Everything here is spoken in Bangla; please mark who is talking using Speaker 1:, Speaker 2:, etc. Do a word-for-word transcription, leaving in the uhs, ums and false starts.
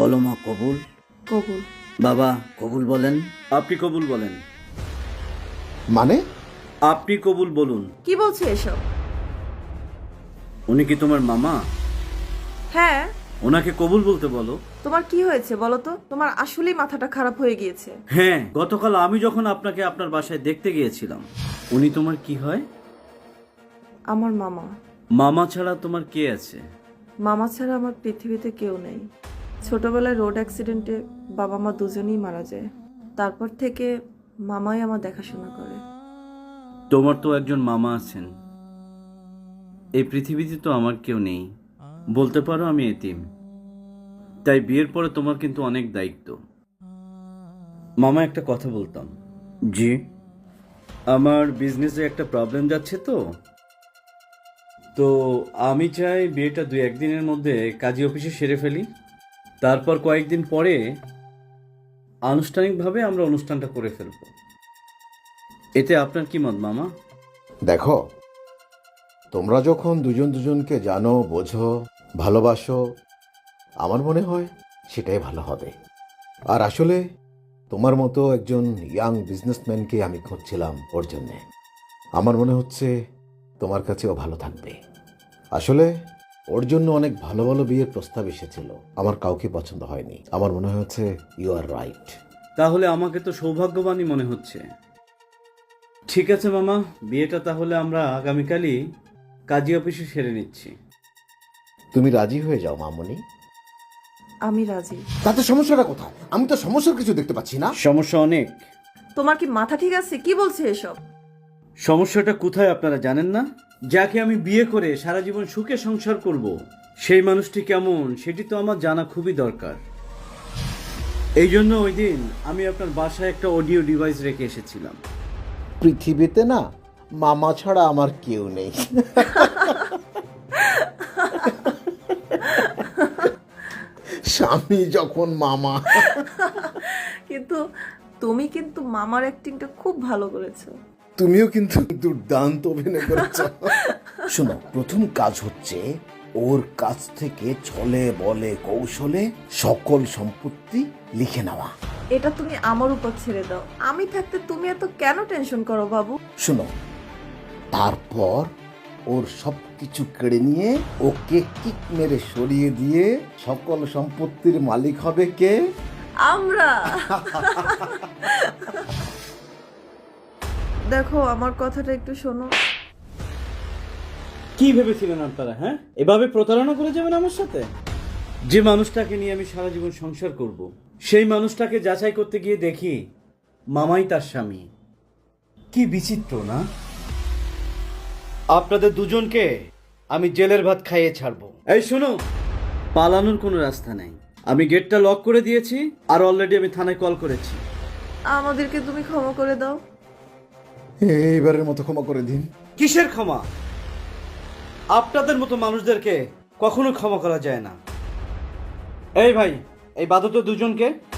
Speaker 1: বলো মা কবুল।
Speaker 2: কবুল।
Speaker 1: বাবা কবুল বলেন। আপনি কবুল বলেন।
Speaker 3: মানে?
Speaker 1: আপনি কবুল বলুন।
Speaker 2: কি বলছে এসব?
Speaker 1: উনি কি তোমার মামা?
Speaker 2: হ্যাঁ।
Speaker 1: ওনাকে কবুল বলতে বলো।
Speaker 2: তোমার কি হয়েছে বলো তো? তোমার আসলেই মাথাটা খারাপ হয়ে গিয়েছে।
Speaker 1: হ্যাঁ, গতকাল আমি যখন আপনাকে আপনার বাসায় দেখতে গিয়েছিলাম, উনি তোমার কি হয়?
Speaker 2: আমার মামা।
Speaker 1: মামা ছাড়া তোমার কে আছে?
Speaker 2: মামা ছাড়া আমার পৃথিবীতে কেউ নেই। ছোটবেলায় রোড অ্যাক্সিডেন্টে বাবা মা দুজনেই মারা যায়। তারপর থেকে মামাই আমার দেখাশোনা করে।
Speaker 1: তোমার তো একজন মামা আছেন, এই পৃথিবীতে তো আমার কেউ নেই। বলতে পারো আমি এতিম। তাই বিয়ের পরে তোমার কিন্তু অনেক দায়িত্ব। মামা একটা কথা বলতাম। জি। আমার বিজনেসে একটা প্রবলেম যাচ্ছে তো তো আমি চাই বিয়েটা দুই একদিনের মধ্যে কাজী অফিসে সেরে ফেলি। তারপর কয়েকদিন পরে আনুষ্ঠানিকভাবে আমরা অনুষ্ঠানটা করে ফেলব। এতে আপনার কি মত মামা?
Speaker 3: দেখো, তোমরা যখন দুজন দুজনকে জানো, বোঝো, ভালোবাসো, আমার মনে হয় সেটাই ভালো হবে। আর আসলে তোমার মতো একজন ইয়াং বিজনেসম্যানকে আমি খুঁজছিলাম ওর জন্যে। আমার মনে হচ্ছে তোমার কাছেও ভালো থাকবে। আসলে ওর জন্য অনেক ভালো ভালো বিয়ের প্রস্তাব এসেছিল, আমার কাউকে পছন্দ হয়নি। আমার মনে হচ্ছে ইউ আর রাইট।
Speaker 1: তাহলে আমাকে তো সৌভাগ্যবানই মনে হচ্ছে। ঠিক আছে মামা, বিয়েটা তাহলে আমরা আগামীকালই কাজী অফিসে সেরে নিচ্ছি।
Speaker 3: তুমি রাজি হয়ে যাও মামনি।
Speaker 2: আমি রাজি।
Speaker 3: তাতে সমস্যাটা কোথায়? আমি তো সমস্যার কিছু দেখতে পাচ্ছি না।
Speaker 1: সমস্যা অনেক।
Speaker 2: তোমার কি মাথা ঠিক আছে? কি বলছে এসব?
Speaker 1: সমস্যাটা কোথায় আপনারা জানেন না? যাকে আমি বিয়ে করে সারা জীবন সুখে সংসার করব, সেই মানুষটি কেমন সেটি তো আমার জানা খুবই দরকার। এই জন্য ওই দিন আমি আপনার বাসায় একটা অডিও ডিভাইস রেখে এসেছিলাম।
Speaker 3: পৃথিবীতে না মামা ছাড়া আমার কেউ নেই। স্বামী যখন মামা।
Speaker 2: কিন্তু তুমি কিন্তু মামার অ্যাক্টিংটা খুব ভালো করেছো।
Speaker 3: তুমিও কিন্তু দুর্দান্ত অভিনয় করেছো। শোনো, প্রথম কাজ হচ্ছে ওর কাছ থেকে ছলে বলে কৌশলে সকল সম্পত্তি লিখে নেওয়া।
Speaker 2: এটা তুমি আমার উপর ছেড়ে দাও। আমি থাকতে তুমি এত কেন টেনশন করো বাবু?
Speaker 3: শোনো, তারপর ওর সব কিছু কেড়ে নিয়ে ওকে কিক মেরে সরিয়ে দিয়ে সকল সম্পত্তির মালিক হবে কে?
Speaker 2: আমরা। দেখো, আমার কথাটা একটু শোনো।
Speaker 1: কি ভেবেছিলেন আপনারা? হ্যাঁ, এভাবে প্রতারণা করে যাবেন আমার সাথে? যে মানুষটাকে নিয়ে আমি সারা জীবন সংসার করব, সেই মানুষটাকে যাচাই করতে গিয়ে দেখি মামাই তার স্বামী। কি বিচিত্র না? আপনাদের দুজনকে আমি জেলের ভাত খাইয়ে ছাড়বো। এই শোনো, পালানোর কোনো রাস্তা নেই। আমি গেটটা লক করে দিয়েছি, আর অলরেডি আমি থানায় কল করেছি।
Speaker 2: আমাদেরকে তুমি ক্ষমা করে দাও।
Speaker 3: এইবারের মতো ক্ষমা করে দিন।
Speaker 1: কিসের ক্ষমা? আপনাদের মতো মানুষদেরকে কখনো ক্ষমা করা যায় না। এই ভাই, এই বাদত দুজনকে